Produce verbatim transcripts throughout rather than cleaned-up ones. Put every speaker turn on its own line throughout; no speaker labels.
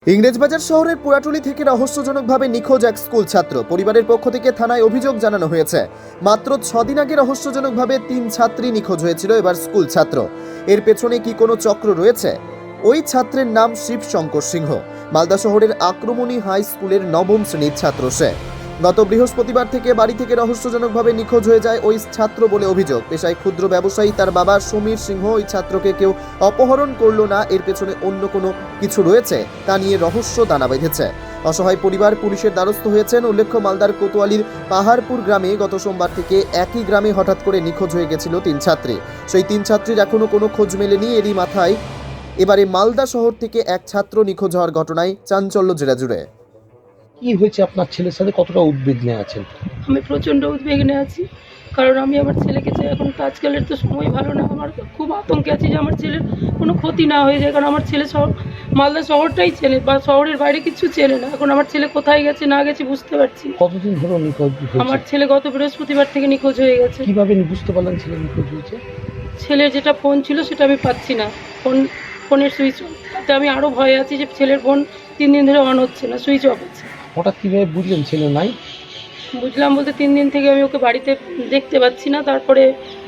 ইংরেজবাজার শহরের পুরাটুলি থেকে রহস্যজনকভাবে নিখোঁজ এক স্কুল ছাত্র। পরিবারের পক্ষ থেকে থানায় অভিযোগ জানানো হয়েছে। মাত্র ছদিন আগে রহস্যজনকভাবে তিন ছাত্রী নিখোঁজ হয়েছিল, এবার স্কুল ছাত্র। এর পেছনে কি কোনো চক্র রয়েছে? ওই ছাত্রের নাম শিব শঙ্কর সিংহ। মালদা শহরের আক্রমণী হাই স্কুলের নবম শ্রেণীর ছাত্র সে। গত বৃহস্পতিবার থেকে বাড়ি থেকে রহস্যজনকভাবে নিখোঁজ হয়ে যায় ওই ছাত্র বলে অভিযোগ। পেশায় ক্ষুদ্র ব্যবসায়ী তার বাবা সমীর সিংহ ওই ছাত্রকে কেউ অপহরণ করলো না, এর পেছনে অন্য কোনো কিছু রয়েছে তা নিয়ে রহস্য দানা বেঁধেছে। অসহায় পরিবার পুলিশের দ্বারস্থ হয়েছেন। উল্লেখ্য, মালদার কোতোয়ালির পাহাড়পুর গ্রামে গত সোমবার থেকে একই গ্রামে হঠাৎ করে নিখোঁজ হয়ে গেছিল তিন ছাত্রী। সেই তিন ছাত্রীর এখনও কোনো খোঁজ মেলেনি। এরই মাথায় এবারে মালদা শহর থেকে এক ছাত্র নিখোঁজ হওয়ার ঘটনায় চাঞ্চল্য জেলা জুড়ে।
কি হয়েছে আপনার ছেলের সাথে, কতটা উদ্বিগ্নে আছেন?
আমি প্রচণ্ড উদ্বিগ্নে আছি, কারণ আমি আমার ছেলেকে চাই। এখন তো আজকালের তো সময় ভালো না, আমার খুব আতঙ্কে আছি যে আমার ছেলের কোনো ক্ষতি না হয়ে যায়। কারণ আমার ছেলে শহর মালদা শহরটাই চেনে, বা শহরের বাইরে কিছু চেনে না। এখন আমার ছেলে কোথায় গেছে না গেছে বুঝতে পারছি না।
কতদিন ধরে নিখোঁজ হয়েছে?
আমার ছেলে গত বৃহস্পতিবার থেকে নিখোঁজ হয়ে গেছে।
কিভাবে বুঝতে পারলেন ছেলে নিখোঁজ হয়েছে?
ছেলের যেটা ফোন ছিল সেটা আমি পাচ্ছি না, ফোন ফোনের সুইচ অফ। তাতে আমি আরও ভয়ে আছি যে ছেলের ফোন তিন দিন ধরে অন হচ্ছে না, সুইচ অফ আছে।
হঠাৎ কীভাবে বুঝলেন ছেলে নাই?
বুঝলাম বলতে তিন দিন থেকে আমি ওকে বাড়িতে দেখতে পাচ্ছি না। তারপরে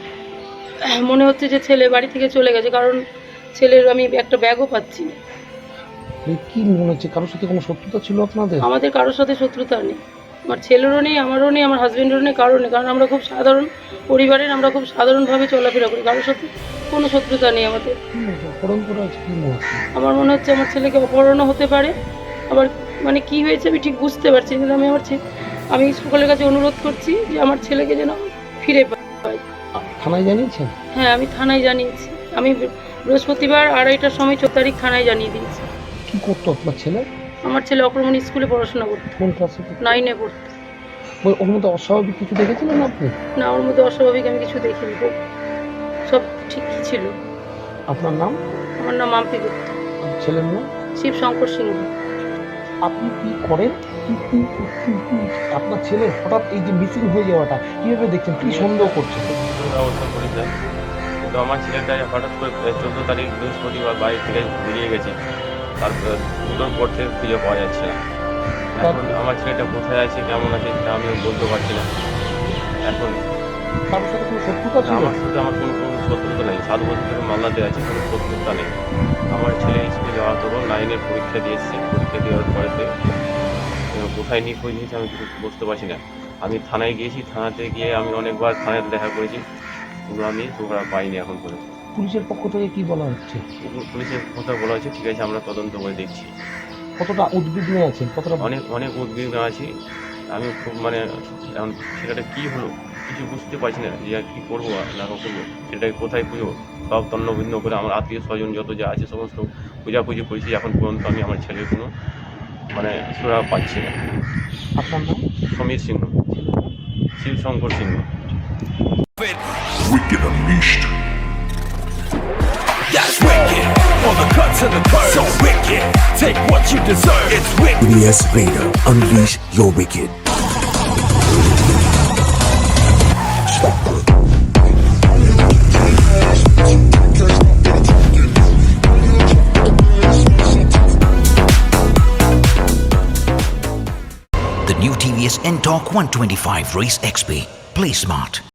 মনে হচ্ছে যে ছেলে বাড়ি থেকে চলে গেছে, কারণ ছেলের আমি একটা ব্যাগও পাচ্ছি না।
কি মনে হচ্ছে, কারোর সাথে কোনো শত্রুতা ছিল আপনাদের?
আমাদের কারোর সাথে শত্রুতা নেই, আমার ছেলেরও নেই, আমারও নেই, আমার হাজব্যান্ডেরও নেই, কারোর নেই। কারণ আমরা খুব সাধারণ পরিবারের, আমরা খুব সাধারণভাবে চলাফেরা করি, কারোর সাথে কোনো শত্রুতা নেই আমাদের।
অপহরণ করা হচ্ছে কি মনে হচ্ছে?
আমার মনে হচ্ছে আমার ছেলেকে অপহরণও হতে পারে। আবার মানে কি হয়েছে আমি ঠিক বুঝতে পারছি, কিন্তু আমি আমার আমি সকলের কাছে অনুরোধ করছি যে আমার ছেলেকে যেন ফিরে পাই।
থানায় জানিয়েছেন?
হ্যাঁ, আমি থানায় জানিয়েছি। আমি বৃহস্পতিবার আড়াইটার সময় চোদ্দ তারিখ থানায় জানিয়ে দিয়েছি।
কি করতো আপনার ছেলে?
আমার ছেলে অক্রমণ স্কুলে পড়াশোনা করতো।
কোন ক্লাসে?
নাইনে পড়তো।
ওর মধ্যে অস্বাভাবিক কিছু দেখেছিলেন আপনি?
না, ওর মধ্যে অস্বাভাবিক আমি কিছু দেখিনি, সব ঠিকই ছিল।
আপনার নাম?
আমার নাম মাম্পি গুপ্ত।
ছেলের নাম?
শিব শঙ্কর সিংহ।
আপনি কি করেন? আপনার ছেলে হঠাৎ এই যে মিসিং হয়ে যাওয়াটা কিভাবে দেখছেন, কি সন্দেহ করছেন?
ব্যবস্থা করি স্যার, কিন্তু আমার ছেলেটা হঠাৎ করে চোদ্দো তারিখ বৃহস্পতিবার বাড়ি থেকে বেরিয়ে গেছে। তারপর দুটোর পর থেকে খুঁজে পাওয়া যাচ্ছে না। এখন আমার ছেলেটা কোথায় আছে, কেমন আছে সেটা আমি বলতে পারছি না। এখন
কারোর সাথে কোনো শত্রুতা ছিল?
আমার সাথে আমার কোনো কোনো শত্রুতা নেই। সাত বছর ধরে মালদাতে আছে, কোনো শত্রুতা নেই। আমার ছেলে স্কুলে যাওয়ার তখন নাইনের পরীক্ষা দিয়েছে। পরীক্ষা দেওয়ার পরেতে কোথায় নিখোঁজ হয়েছে আমি কিছু বুঝতে পারছি না। আমি থানায় গিয়েছি, থানাতে গিয়ে আমি অনেকবার থানায় দেখা করেছি, ওগুলো আমি তোমরা পাইনি এখন পর্যন্ত।
পুলিশের পক্ষ থেকে কি বলা হচ্ছে?
পুলিশের কথা বলা হচ্ছে ঠিক আছে, আমরা তদন্ত করে দেখছি।
কতটা উদ্বিগ্নে আছেন? কতটা?
অনেক অনেক উদ্বিগ্ন আছি আমি, খুব মানে এখন সেটা কী হলো কিছু বুঝতে পারছি না, যে কী করবো না করবো, সেটাকে কোথায় খুঁজবো। সব তন্ন ভিন্ন করে আমার আত্মীয় স্বজন যত যা আছে সমস্ত খোঁজাখুঁজি করেছি। এখন পর্যন্ত আমি আমার ছেলের কোনো মানে সুরা পাচ্ছি না।
আপনার নাম?
সমীর সিংহ, শিব শঙ্কর সিংহ।
Wicked Unleashed.
That's wicked. On the cut to the curb. So wicked. Take what you deserve. It's wicked.
B S Vader, unleash your wicked.
The new T V S N-Torq one twenty-five Race X P. Play smart.